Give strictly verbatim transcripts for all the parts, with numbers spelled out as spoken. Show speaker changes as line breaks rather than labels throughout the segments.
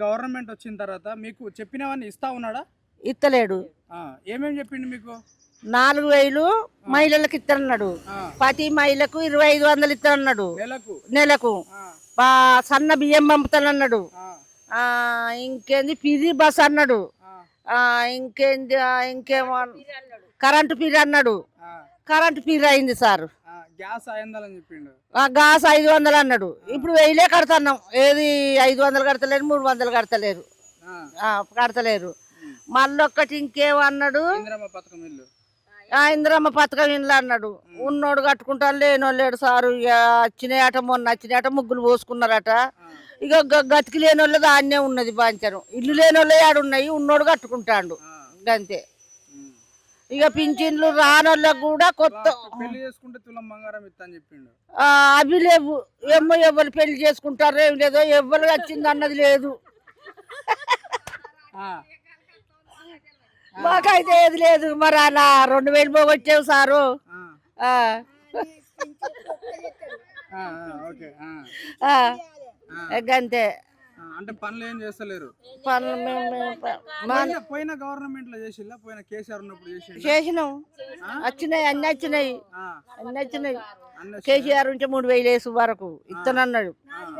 Government వచ్చిన తర్వాత మీకు చెప్పినవన్నీ ఇస్తా ఉన్నాడా?
ఇత్తలేడు.
ఏమేమి చెప్పిండు మీకు?
నాలుగు వేలు మహిళలకు ఇస్తానన్నాడు. ప్రతి మహిళకు ఇరవై ఐదు వందలు ఇస్తానన్నాడు
నెలకు.
నెలకు సన్న బియ్యం పంపుతానన్నాడు. ఇంకేంది పిది బస్ అన్నాడు. ఇంకేంది ఇంకేమో కరెంటు పీరి అన్నాడు. కరెంటు పీరి అయింది సార్.
గ్యాస్ ఐదు చెప్పిండు.
గ్యాస్ ఐదు వందలు అన్నాడు. ఇప్పుడు వెయ్యిలే కడుతున్నాం. ఏది ఐదు వందలు కడతలేరు, మూడు వందలు కడతలేరు కడతలేరు మళ్ళీ ఒక్కటి ఇంకేమన్నాడు, ఇందిరమ్మ పథకం ఇల్లు అన్నాడు. ఉన్నోడు కట్టుకుంటాను, లేనోళ్ళు లేడు సారు. ఇక వచ్చినాయట, మొన్న వచ్చినాయట, ముగ్గులు పోసుకున్నారట. ఇక గతికి లేని వాళ్ళు దాన్నే ఉన్నది బాంచరం. ఇల్లు లేని వాళ్ళు ఆడున్నాయి, ఉన్నోడు కట్టుకుంటాడు అంతే. ఇక పింఛన్లు రానోళ్ళకు కూడా కొత్త అవి లేవు. ఏమో ఎవరు పెళ్లి చేసుకుంటారో ఏం లేదో, ఎవరు వచ్చింది అన్నది లేదు. మాకైతే ఏది లేదు. మరి అలా రెండు వేలు పోగొచ్చావు సారు. అంతే.
అంటే పనులు ఏం చేస్తలేరు.
పనులు
పోయిన గవర్నమెంట్ లో చేసిల్లా? పోయిన కేసీఆర్ ఉన్నప్పుడు
చేసినాం. వచ్చినాయి, అన్ని వచ్చినాయి, అన్ని వచ్చినాయి. కేసీఆర్ నుంచి మూడు వేలు వేసు వరకు ఇస్తానన్నాడు.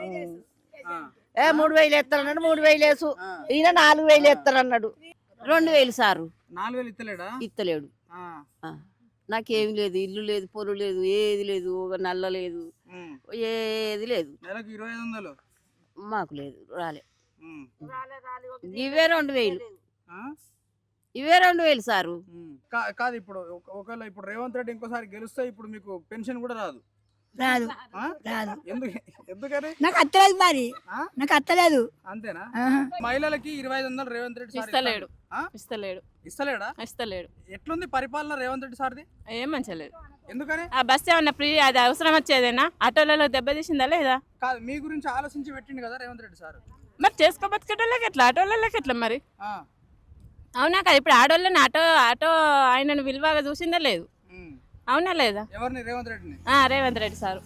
ఏ మూడు వేలు ఎత్తానన్నాడు. మూడు వేలు వేసు. ఈయన నాలుగు వేలు ఎత్తానన్నాడు. రెండు వేలు సారు.
నాలుగు వేలు ఇస్తలేడా?
ఇస్తలేడు. నాకేమి లేదు, ఇల్లు లేదు, పొరు లేదు, ఏది లేదు, ఒక నల్ల లేదు, ఏది లేదు.
నెలకు ఇరవై ఐదు వందలు
మాకు లేదు, రాలే. ఇవే రెండు వేలు, ఇవే రెండు వేలు సారు.
కాదు, ఇప్పుడు ఒకవేళ ఇప్పుడు రేవంత్ రెడ్డి ఇంకోసారి గెలుస్తే ఇప్పుడు మీకు పెన్షన్ కూడా రాదు.
రాదు రాదు.
ఎందుకని?
నాకు అత్తలేదు, మరి నాకు అత్తలేదు.
అంతేనా? మహిళలకి ఇరవై ఐదు వందలు రేవంత్ రెడ్డి
ఇస్తలేడు. ఇస్తలేడు.
ఇస్తలేడా?
ఇస్తలేడు.
ఎట్లుంది పరిపాలన రేవంత్ రెడ్డి సార్ది?
ఏం మంచిలేదు.
ఎందుకని?
ఆ బస్ ఏమన్నా ఫ్రీ, అది అవసరం వచ్చేదేనా? ఆటోలలో దెబ్బతీసిందా లేదా?
కాదు, మీ గురించి ఆలోచించి పెట్టిండు కదా రేవంత్ రెడ్డి సార్.
మరి చేసుకో బతికేటోళ్ళకి ఎట్లా, ఆటోళ్ళకి ఎట్లా మరి? అవునా కదా? ఇప్పుడు ఆడోళ్ళని ఆటో ఆటో ఆయనను విలువగా చూసిందా లేదు? అవునా లేదా?
ఎవరిని? రేవంత్ రెడ్డిని.
రేవంత్ రెడ్డి సారు.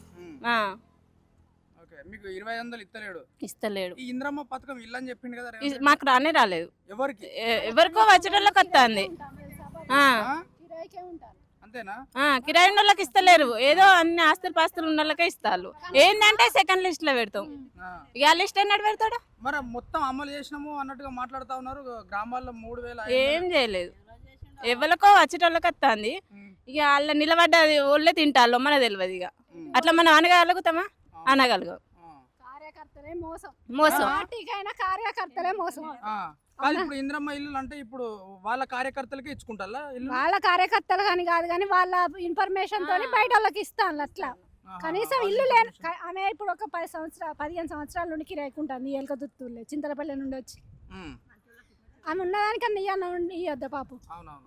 మీకు ఇరవై వందలు ఇస్తలేడు.
ఇస్తలేడు.
ఈ ఇంద్రమ్మ పథకం ఇల్లు అని చెప్పిండు కదా.
మాకు రానే రాలేదు.
ఎవరికి?
ఎవరికో వచ్చేటోళ్ళకి వస్తుంది.
అంతేనా?
కిరాయి ఉన్న వాళ్ళకి ఇస్తలేరు. ఏదో అన్ని ఆస్తులు పాస్తులు ఉన్న వాళ్ళకే ఇస్తారు. ఏంటంటే సెకండ్ లిస్ట్ లో పెడతాం. ఇక ఆ లిస్ట్ ఎన్నట్టు పెడతాడు?
మరి మొత్తం అమలు చేసినాము అన్నట్టుగా మాట్లాడుతా ఉన్నారు. గ్రామాల్లో మూడు వేల
ఏం చేయలేదు. ఎవరికో వచ్చేటోళ్ళకి వస్తుంది. ఇక వాళ్ళ నిలబడ్డ వాళ్ళే తింటారు, మన తెలియదు. ఇక అట్లా మనం అనగలుగుతామా? అనగలుగు.
కార్యకర్తలే మోసం.
మోసం.
కార్యకర్తలే మోసం.
ఇప్పుడు ఇంద్రమ్మ ఇల్లు అంటే ఇప్పుడు వాళ్ళ కార్యకర్తలకే ఇచ్చుకుంటారా?
వాళ్ళ కార్యకర్తలు కానీ కాదు, కానీ వాళ్ళ ఇన్ఫర్మేషన్ తోని బయట వాళ్ళకి ఇస్తాను. అట్లా కనీసం ఇల్లు లేని ఆమె ఇప్పుడు ఒక పది సంవత్సరాలు పదిహేను సంవత్సరాల నుండి కిరాయికుంటుంది. ఎలక దుత్తులే చింతలపల్లి నుండి వచ్చి ఆమె ఉన్నదానికన్నా ఇవ్వద్దు ఇవ్వద్దా పాపం.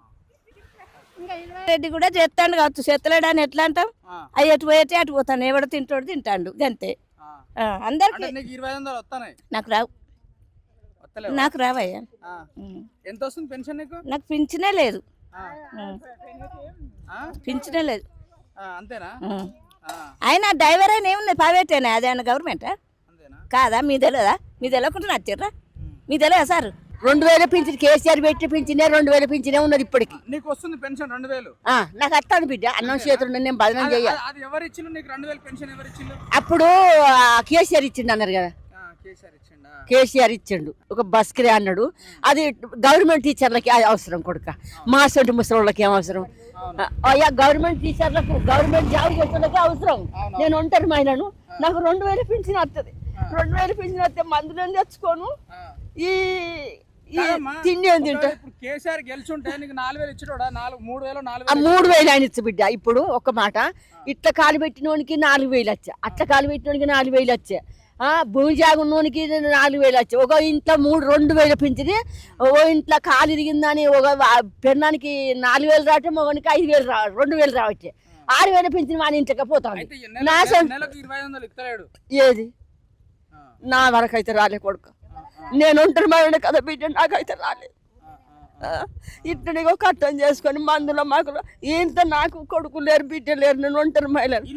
రెడ్డి కూడా చేస్తాడు కావచ్చు, చేస్తలేడు అని ఎట్లా అంటాం? అవి ఎటు పోయితే అటు పోతాను. ఎవడు తింటాడు తింటాడు అంతే. అందరికి నాకు రావు, నాకు రావయ్యా.
ఎంత వస్తుంది పెన్షన్ నీకు?
నాకు పింఛనే లేదు, పింఛనే లేదు.
అంతేనా?
ఆయన డ్రైవర్ అయినా ఏమున్నది, ప్రైవేటేనా? అదే ఆయన గవర్నమెంటా కాదా? మీ తెలియదా? మీ తెలియకుండా నచ్చారా? మీ తెలియదా సార్? రెండు వేల పింఛన్ కేసీఆర్ పెట్టి పింఛనే రెండు వేల పింఛనే ఉన్నది ఇప్పటికి.
నీకు వస్తుంది పెన్షన్ రెండు వేలు?
నాకు అత్తాను బిడ్డ, అన్నం చేతులు నేను బదనం చేయాలి. అప్పుడు కేసీఆర్ ఇచ్చిండు అన్నారు కదా. కేసీఆర్ ఇచ్చిండు, ఒక బస్ కిరా అన్నాడు. అది గవర్నమెంట్ టీచర్లకి అవసరం కొడుక, మా సొంటి ముసలిళ్ళకి ఏం అవసరం? అయ్యా గవర్నమెంట్ టీచర్లకు, గవర్నమెంట్ జాబ్ చేసేళ్ళకి అవసరం. నేను ఒంటరి మహిళను, నాకు రెండు వేల పింఛన్ వస్తుంది. రెండు వేల పింఛన్ వస్తే మందులు తెచ్చుకోను, ఈ తిండి ఏం తింటా. మూడు వేలు ఆయన ఇచ్చు బిడ్డ. ఇప్పుడు ఒక మాట, ఇట్లా కాలు పెట్టినోనికి నాలుగు వేలు వచ్చా, అట్లా కాలు పెట్టినోనికి నాలుగు వేలు వచ్చా, భూమి జాగున్నోనికి నాలుగు వేలు వచ్చాయి. ఒక ఇంట్లో మూడు రెండు వేలు పెంచింది. ఓ ఇంట్లో కాలు ఇరిగిందని ఒక పెన్నానికి నాలుగు వేలు రావటం, ఒకనికి ఐదు వేలు రా రెండు వేలు రావచ్చే. ఆరు వేలు పెంచిన వాని ఇంటికి పోతాను. ఏది నా వరకు అయితే రాలే కొడుకు. నేను ఒంటరి మహిళ కదా బిడ్డ, నాకైతే రాలేదు. ఇట్లా కట్టం చేసుకొని మందులో మాకు ఇంత, నాకు కొడుకు లేరు, బిడ్డ లేరు, నేను ఒంటరి మహిళ.